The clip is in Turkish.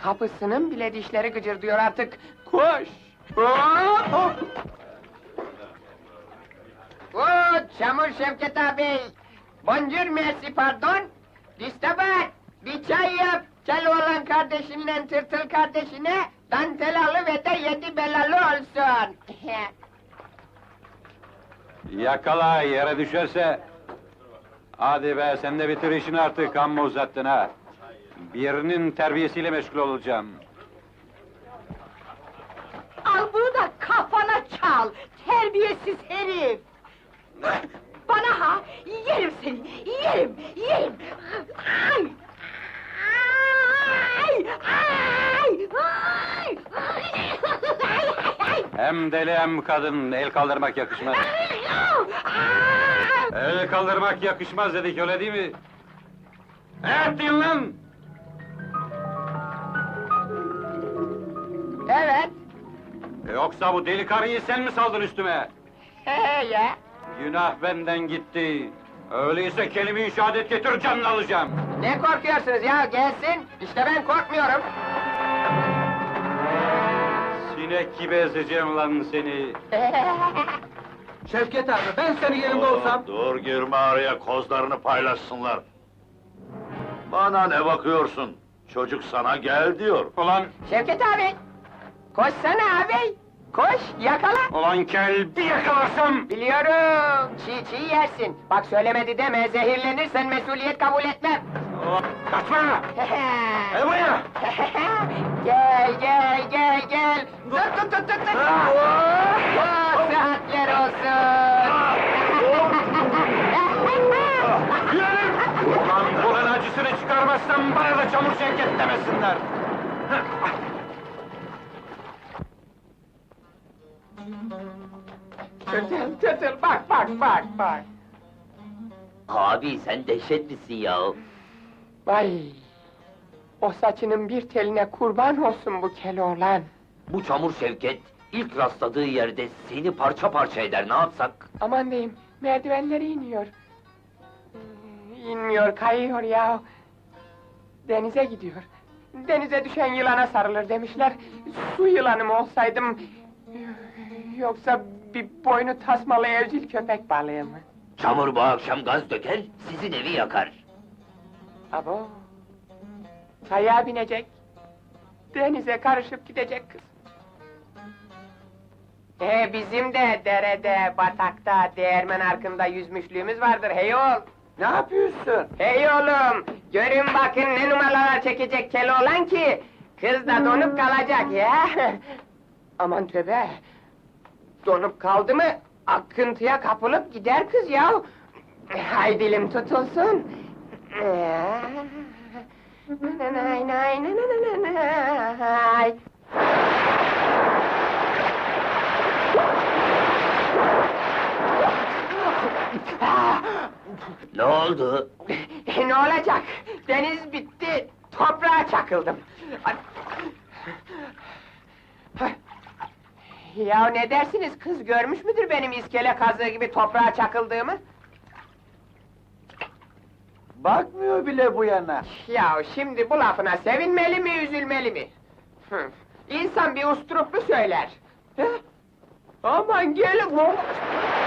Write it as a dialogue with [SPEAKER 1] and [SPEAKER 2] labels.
[SPEAKER 1] Kapısının bile dişleri gıcırdıyor artık. Koş! Hop, hop! Oo, Çamur Şevket abi! Bonjour, merci, pardon! Distabat! Bir çay yap! Keloğlan kardeşinle tırtıl kardeşine, dantelalı ve de 7 belalı olsun!
[SPEAKER 2] Yakala, yere düşerse. Hadi be, sen de bitir işini artık, amma uzattın ha. Birinin terbiyesiyle meşgul olacağım.
[SPEAKER 3] Al bunu da kafana çal, terbiyesiz herif! Bana ha, yerim seni, yerim, yerim! Ay! Ay! Ay! Ay! Ay!
[SPEAKER 2] Hem deli hem kadın, el kaldırmak yakışmaz. El kaldırmak yakışmaz dedik, öyle değil mi? Evet, deyin lan!
[SPEAKER 1] Evet,
[SPEAKER 2] Yoksa bu deli karıyı sen mi saldın üstüme?
[SPEAKER 1] he ya!
[SPEAKER 2] Günah benden gitti. Öyleyse kelime-i şehadet getir, canını alacağım.
[SPEAKER 1] Ne korkuyorsunuz ya, gelsin! İşte ben korkmuyorum!
[SPEAKER 2] Sinek gibi ezeceğim lan seni.
[SPEAKER 4] Şevket abi, ben senin yerinde olsam...
[SPEAKER 5] Dur girme araya, kozlarını paylaşsınlar. Bana ne bakıyorsun? Çocuk sana gel diyor.
[SPEAKER 2] Ulan,
[SPEAKER 1] Şevket abi! Koşsana abi! Koş, yakala!
[SPEAKER 2] ulan kel, bir yakalarsam!
[SPEAKER 1] Biliyorum, çiğ yersin. Bak söylemedi deme, zehirlenirsen mesuliyet kabul etmem.
[SPEAKER 2] Ulan, kaçma! Gel buraya!
[SPEAKER 1] Gel! Tut! Oh, sıhhatler olsun!
[SPEAKER 2] Ulan bunun acısını çıkarmazsam bana da çamur Şevket demesinler!
[SPEAKER 1] Tırtıl, bak!
[SPEAKER 6] Abi sen dehşetlisin ya.
[SPEAKER 1] Vay! O saçının bir teline kurban olsun bu Keloğlan.
[SPEAKER 6] Bu çamur Şevket ilk rastladığı yerde seni parça parça eder, ne yapsak?
[SPEAKER 1] Aman diyeyim, merdivenleri iniyor. İnmiyor, kayıyor ya. Denize gidiyor. Denize düşen yılana sarılır demişler. Su yılanı mı olsaydım... Yoksa bir boynu tasmalı evcil köpek balığı mı?
[SPEAKER 6] Çamur bu akşam gaz döker, sizin evi yakar.
[SPEAKER 1] Abo! Kayağa binecek. Denize karışıp gidecek kız. Bizim de derede, batakta, değirmen arkında yüzmüşlüğümüz vardır hey oğul!
[SPEAKER 4] Ne yapıyorsun?
[SPEAKER 1] Hey oğlum! Görün bakın ne numaralar çekecek Keloğlan ki... ...kız da donup kalacak ya! Aman tövbe! Donup kaldı mı, akıntıya kapılıp gider kız ya! Hay dilim tutulsun! Nay.
[SPEAKER 6] Ne oldu?
[SPEAKER 1] Ne olacak? Deniz bitti, toprağa çakıldım. Ya ne dersiniz, kız görmüş müdür benim iskele kazığı gibi toprağa çakıldığımı?
[SPEAKER 4] Bakmıyor bile bu yana.
[SPEAKER 1] Ya şimdi bu lafına sevinmeli mi, üzülmeli mi? İnsan bir usturuplu söyler. Aman gelin!